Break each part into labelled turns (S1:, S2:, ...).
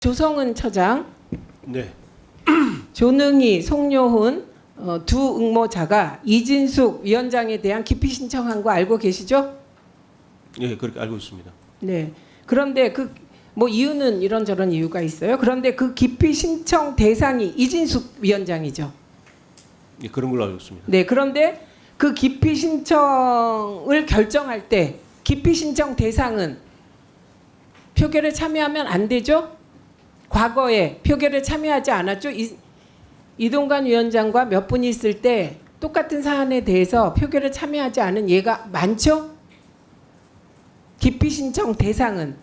S1: 조성은 처장,
S2: 네.
S1: 조능희, 송요훈 두 응모자가 이진숙 위원장에 대한 기피 신청한 거 알고 계시죠?
S2: 예, 그렇게 알고 있습니다.
S1: 네. 그런데 그 뭐 이유는 이런저런 이유가 있어요. 그런데 그 기피 신청 대상이 이진숙 위원장이죠.
S2: 예, 그런 걸로 알고 있습니다.
S1: 네. 그런데 그 기피 신청을 결정할 때 기피 신청 대상은 표결에 참여하면 안 되죠? 과거에 표결에 참여하지 않았죠? 이동관 위원장과 몇 분이 있을 때 똑같은 사안에 대해서 표결에 참여하지 않은 예가 많죠? 기피 신청 대상은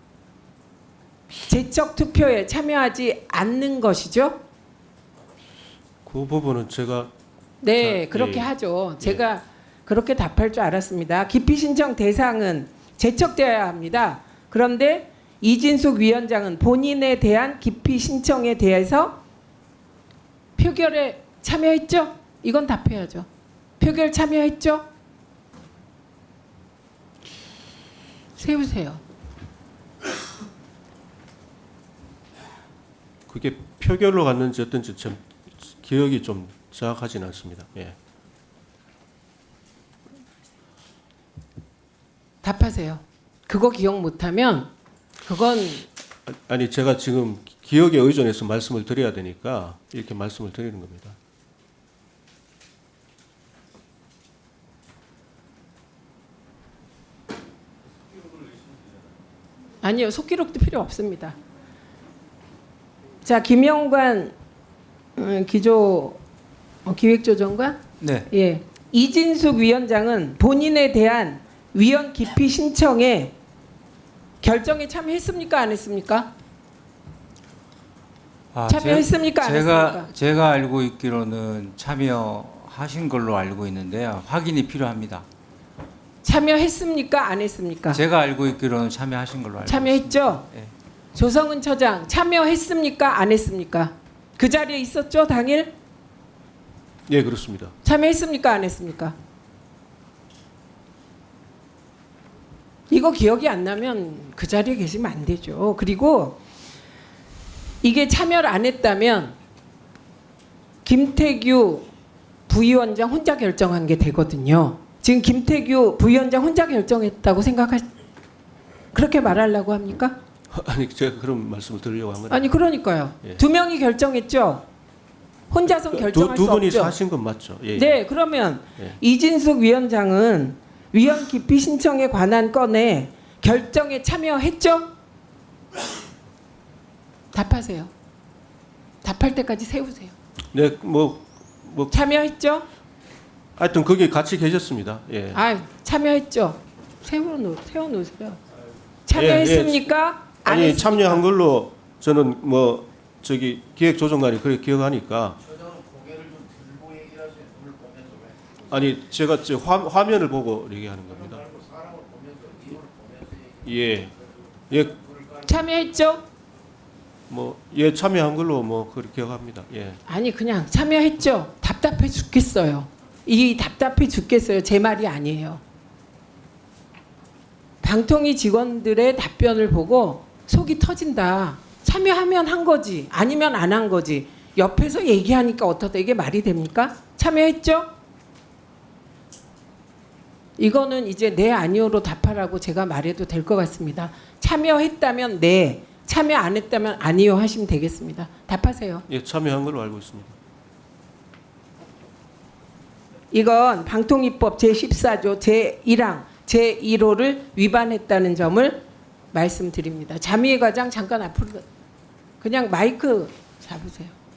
S1: 제적 투표에 참여하지 않는 것이죠?
S2: 그 부분은 제가
S1: 네,
S2: 자,
S1: 그렇게
S2: 예.
S1: 하죠. 제가 그렇게 답할 줄 알았습니다. 기피 신청 대상은 제척되어야 합니다. 그런데 이진숙 위원장은 본인에 대한 기피 신청에 대해서 표결에 참여했죠? 이건 답해야죠. 표결 참여했죠? 세우세요.
S2: 그게 표결로 갔는지 어떤지 좀 기억이 좀 정확하지는 않습니다. 예.
S1: 답하세요. 그거 기억 못하면 그건
S2: 아니 제가 지금 기억에 의존해서 말씀을 드려야 되니까 이렇게 말씀을 드리는 겁니다.
S1: 아니요. 속기록도 필요 없습니다. 자, 김영관 기획조정관?
S3: 네.
S1: 예. 이진숙 위원장은 본인에 대한 위원 기피 신청에 결정에 참여했습니까? 안 했습니까? 참여했습니까? 안 했습니까?
S3: 제가 알고 있기로는 참여하신 걸로 알고 있는데요. 확인이 필요합니다.
S1: 참여했습니까? 안 했습니까?
S3: 제가 알고 있기로는 참여하신 걸로 알고
S1: 참여했죠?
S3: 있습니다. 네.
S1: 조성은 처장 참여했습니까? 안 했습니까? 그 자리에 있었죠? 당일?
S2: 예, 그렇습니다.
S1: 참여했습니까? 안 했습니까? 이거 기억이 안 나면 그 자리에 계시면 안 되죠. 그리고 이게 참여를 안 했다면 김태규 부위원장 혼자 결정한 게 되거든요. 지금 김태규 부위원장 혼자 결정했다고 그렇게 말하려고 합니까?
S2: 아니 제가 그런 말씀을 드리려고 한 거는
S1: 아니 그러니까요.
S2: 예.
S1: 두 명이 결정했죠. 혼자서 결정할
S2: 두
S1: 수
S2: 분이서
S1: 없죠.
S2: 하신 건 맞죠? 예, 예.
S1: 네, 그러면
S2: 예.
S1: 이진숙 위원장은 위원 기피 신청에 관한 건에 결정에 참여했죠? 답하세요. 답할 때까지 세우세요.
S2: 네,
S1: 참여했죠?
S2: 하여튼 거기 같이 계셨습니다. 예.
S1: 아, 참여했죠. 세워놓으세요. 참여했습니까? 안
S2: 아니
S1: 했습니까?
S2: 참여한 걸로 저는 기획조정관이 그렇게 기억하니까. 아니 제가 화면을 보고 얘기하는 겁니다. 예, 예,
S1: 참여했죠?
S2: 예 참여한 걸로 그렇게 기억합니다. 예.
S1: 아니 그냥 참여했죠. 답답해 죽겠어요. 이 답답해 죽겠어요. 제 말이 아니에요. 방통위 직원들의 답변을 보고 속이 터진다. 참여하면 한 거지. 아니면 안 한 거지. 옆에서 얘기하니까 어떻다. 이게 말이 됩니까? 참여했죠? 이거는 이제 네 아니오로 답하라고 제가 말해도 될 것 같습니다. 참여했다면 네, 참여 안 했다면 아니요 하시면 되겠습니다. 답하세요.
S2: 예, 참여한 걸로 알고 있습니다.
S1: 이건 방통위법 제14조 제1항 제1호를 위반했다는 점을 말씀드립니다. 자미의 과장 잠깐 앞으로 그냥 마이크 잡으세요.